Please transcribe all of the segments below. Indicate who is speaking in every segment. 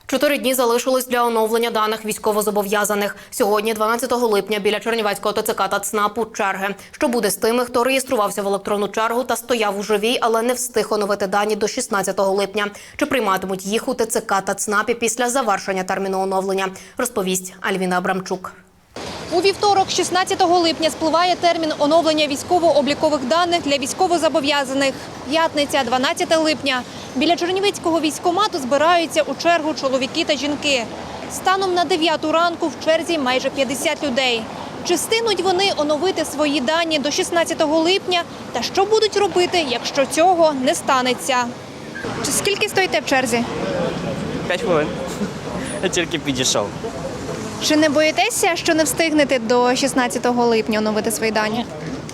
Speaker 1: 4 дні залишилось для оновлення даних військовозобов'язаних. Сьогодні, 12 липня, біля Чернівецького ТЦК та ЦНАПу черги. Що буде з тими, хто реєструвався в електронну чергу та стояв у живій, але не встиг оновити дані до 16 липня? Чи прийматимуть їх у ТЦК та ЦНАПі після завершення терміну оновлення? Розповість Альвіна Абрамчук.
Speaker 2: У вівторок, 16 липня, спливає термін оновлення військово-облікових даних для військовозобов'язаних. П'ятниця, 12 липня. Біля Чернівецького військкомату збираються у чергу чоловіки та жінки. Станом на 9 ранку в черзі майже 50 людей. Чи встигнуть вони оновити свої дані до 16 липня? Та що будуть робити, якщо цього не станеться? Скільки стоїте в черзі?
Speaker 3: 5 хвилин. Я тільки підійшов.
Speaker 2: Чи не боїтеся, що не встигнете до 16 липня оновити свої дані?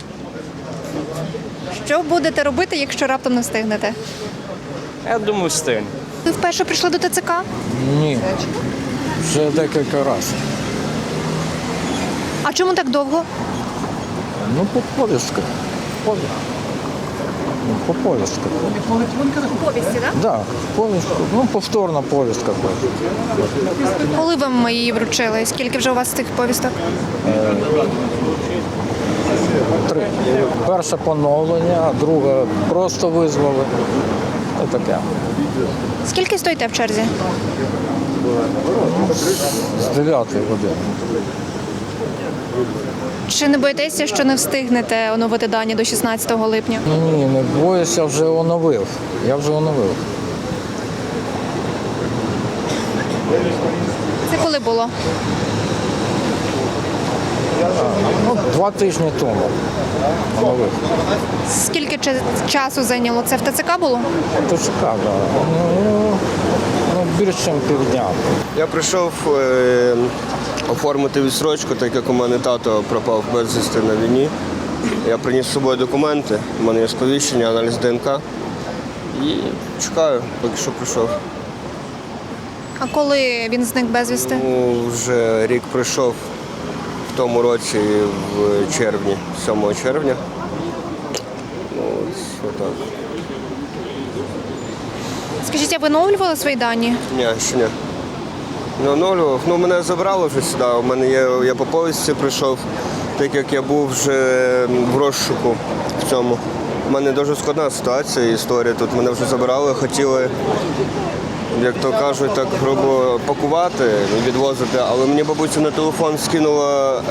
Speaker 2: Що будете робити, якщо раптом не встигнете?
Speaker 3: Я думаю, встигну.
Speaker 2: Ви вперше прийшли до ТЦК?
Speaker 4: Ні, вже декілька разів.
Speaker 2: А чому так довго?
Speaker 4: Ну, по повістках. По повістках.
Speaker 2: Повісті, так?
Speaker 4: Так, повістка. Ну, повторна повістка.
Speaker 2: Коли вам її вручили? Скільки вже у вас цих повісток?
Speaker 4: 3. Перше поновлення, а друге просто визвали. І таке.
Speaker 2: Скільки стоїте в черзі?
Speaker 4: З 9 години.
Speaker 2: Чи не боїтеся, що не встигнете оновити дані до 16 липня?
Speaker 4: Ні, не боюся, вже оновив. Я вже оновив.
Speaker 2: Це коли було?
Speaker 4: Ну, 2 тижні тому оновив.
Speaker 2: Скільки часу зайняло? Це в ТЦК було?
Speaker 4: ТЦК, так. Ну, більше, ніж півдня.
Speaker 5: Я прийшов оформити відстрочку, так як у мене тато пропав безвісти на війні. Я приніс з собою документи, у мене є сповіщення, аналіз ДНК. І чекаю, поки що прийшов.
Speaker 2: А коли він зник безвісти?
Speaker 5: Ну, вже рік пройшов в тому році, в червні, 7 червня. Ну, ось отак.
Speaker 2: Скажіть, а ви оновлювали свої дані?
Speaker 5: Ні, ще ні. Не оновлював. Ну, мене забрали вже сюди. У мене я по повістці прийшов, так як я був вже в розшуку в цьому. У мене дуже складна ситуація, історія. Тут мене вже забирали, хотіли, як то кажуть, так грубо пакувати, відвозити. Але мені бабуся на телефон скинула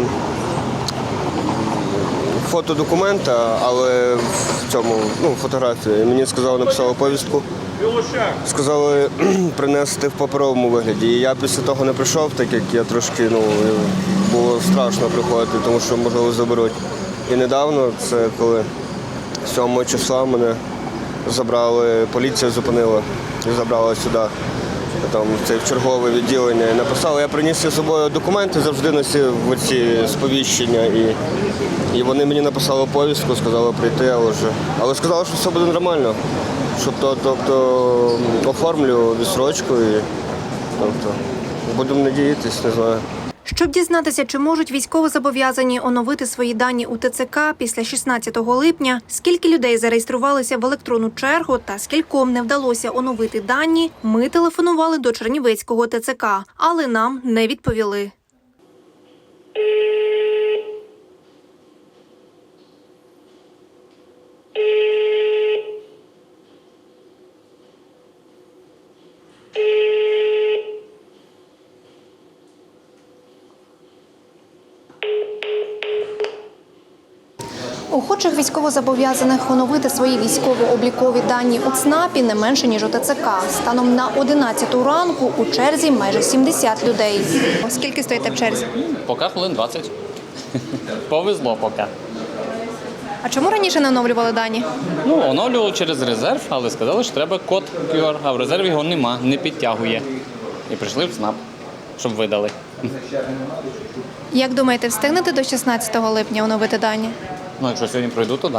Speaker 5: фото документа, але в цьому, фотографію. І мені сказали, написали повістку. Сказали принести в паперовому вигляді. І я після того не прийшов, так як я трошки, було страшно приходити, тому що, можливо, заберуть. І недавно, це коли 7 числа мене забрали, поліція зупинила і забрала сюди, там, в чергове відділення. І написали, я приніс з собою документи, завжди носив ці сповіщення. І вони мені написали повістку, сказали прийти, але сказали, що все буде нормально. Тобто оформлю відстрочку і будемо надіятися, не знаю.
Speaker 2: Щоб дізнатися, чи можуть військовозобов'язані оновити свої дані у ТЦК після 16 липня, скільки людей зареєструвалися в електронну чергу та скільком не вдалося оновити дані, ми телефонували до Чернівецького ТЦК, але нам не відповіли. Охочих військовозобов'язаних оновити свої військово-облікові дані у ЦНАПі не менше, ніж у ТЦК. Станом на 11 ранку у черзі майже 70 людей. Скільки стоїте в черзі?
Speaker 6: Поки хвилин 20. Повезло поки.
Speaker 2: А чому раніше не оновлювали дані?
Speaker 6: Оновлював через резерв, але сказали, що треба код QR, а в резерві його нема, не підтягує. І прийшли в ЦНАП, щоб видали.
Speaker 2: Як думаєте, встигнете до 16 липня оновити дані?
Speaker 6: Якщо сьогодні пройду, то так.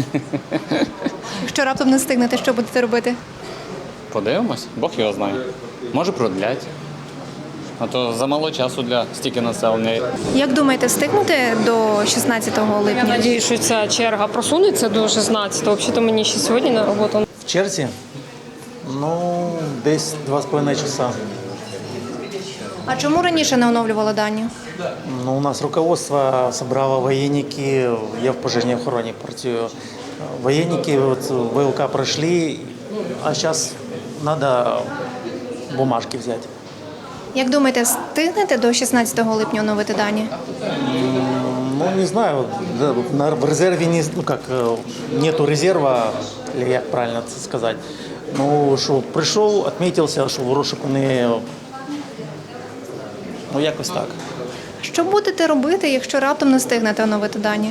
Speaker 2: Якщо раптом не встигнете, що будете робити?
Speaker 6: Подивимось, Бог його знає. Може продлять. А то замало часу для стільки населення.
Speaker 2: Як думаєте, встигнете до 16 липня?
Speaker 7: Я сподіваюся, що ця черга просунеться до 16-го. Взагалі-то мені ще сьогодні на роботу.
Speaker 4: В черзі? Ну,
Speaker 7: десь 2,5 часа.
Speaker 2: А чому раніше не оновлювали дані?
Speaker 7: Ну, у нас руководство собрало военники, я в пожежній охороні працюю. Военники от, ВЛК пройшли, а зараз треба бумажки взяти.
Speaker 2: Як думаєте, встигнете до 16 липня оновити дані?
Speaker 7: Ну, не знаю, в резерве нету резерва, или як правильно це сказати. Ну, що прийшов, відмітився, що в розшуку не... Ну, якось так.
Speaker 2: Що будете робити, якщо раптом не встигнете оновити дані?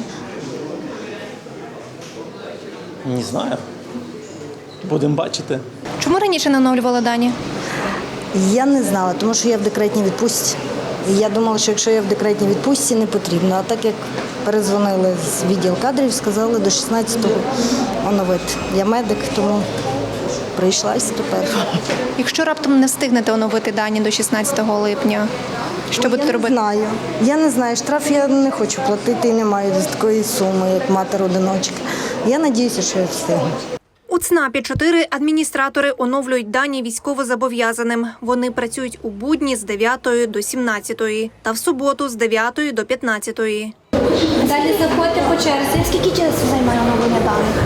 Speaker 7: Не знаю. Будемо бачити.
Speaker 2: Чому раніше не оновлювали дані?
Speaker 8: Я не знала, тому що я в декретній відпустці. І я думала, що якщо я в декретній відпустці, не потрібно. А так як перезвонили з відділу кадрів, сказали до 16-го оновити. Я медик, тому прийшлась тепер.
Speaker 2: Якщо раптом не встигнете оновити дані до 16 липня, що будете робити?
Speaker 8: Я не знаю, штраф я не хочу платити і не маю такої суми, як матер-одиночка. Я сподіваюся, що я встигну.
Speaker 2: У ЦНАПі 4 адміністратори оновлюють дані військовозобов'язаним. Вони працюють у будні з 9 до 17 та в суботу з 9 до 15.
Speaker 9: Далі заходьте по черзі. Скільки часу займає оновлення даних?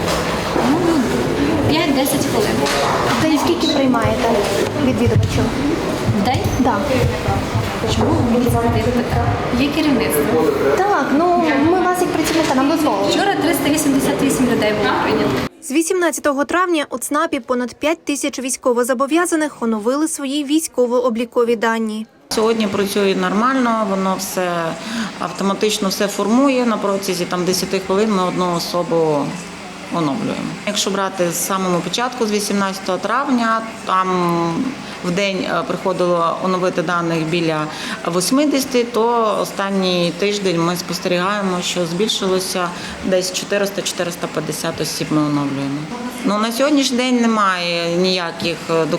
Speaker 9: 5-10 хвилин.
Speaker 2: В день скільки приймаєте відвідувачів?
Speaker 9: В день?
Speaker 2: Так.
Speaker 9: Чому ви мені задаєте таке? Є керівництво.
Speaker 2: Так, ми вас як працівника нам дозволили.
Speaker 9: Вчора 388 людей було прийнято.
Speaker 2: З 18 травня у ЦНАПі понад 5 тисяч військовозобов'язаних оновили свої військово-облікові дані.
Speaker 10: Сьогодні працює нормально, воно все автоматично все формує. На протязі 10 хвилин ми одну особу оновлюємо. Якщо брати з самого початку, з 18 травня, там в день приходило оновити даних біля 80, то останній тиждень ми спостерігаємо, що збільшилося десь 400-450 осіб ми оновлюємо. На сьогоднішній день немає ніяких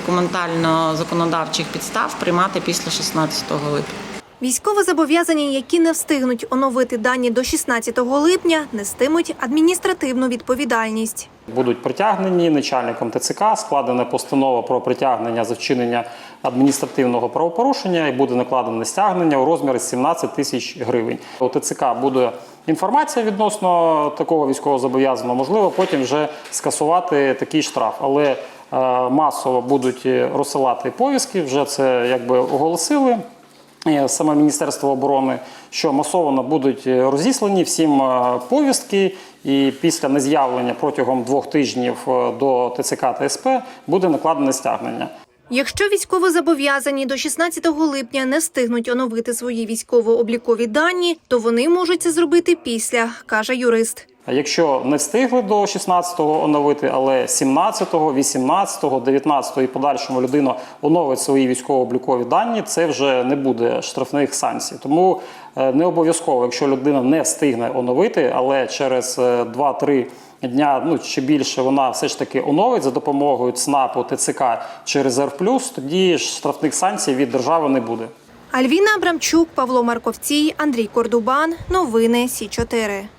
Speaker 10: документально-законодавчих підстав приймати після 16 липня.
Speaker 2: Військовозобов'язані, які не встигнуть оновити дані до 16 липня, нестимуть адміністративну відповідальність.
Speaker 11: Будуть притягнені начальником ТЦК, складена постанова про притягнення за вчинення адміністративного правопорушення і буде накладене стягнення у розмірі 17 тисяч гривень. У ТЦК буде інформація відносно такого військовозобов'язаного, можливо, потім вже скасувати такий штраф. Але масово будуть розсилати повістки, вже це оголосили. Саме Міністерство оборони, що масово будуть розіслані всім повістки, і після нез'явлення протягом 2 тижнів до ТЦК та СП буде накладене стягнення.
Speaker 2: Якщо військовозобов'язані до 16 липня не встигнуть оновити свої військово-облікові дані, то вони можуть це зробити після, каже юрист.
Speaker 11: А якщо не встигли до 16-го оновити, але 17-го, 18-го, 19-го і подальшому людина оновить свої військово-облікові дані, це вже не буде штрафних санкцій. Тому не обов'язково, якщо людина не встигне оновити, але через 2-3 дня, чи більше, вона все ж таки оновить за допомогою ЦНАПу, ТЦК чи Резерв Плюс, тоді штрафних санкцій від держави не буде.
Speaker 2: Альвіна Абрамчук, Павло Марковцій, Андрій Кордубан. Новини Сі 4.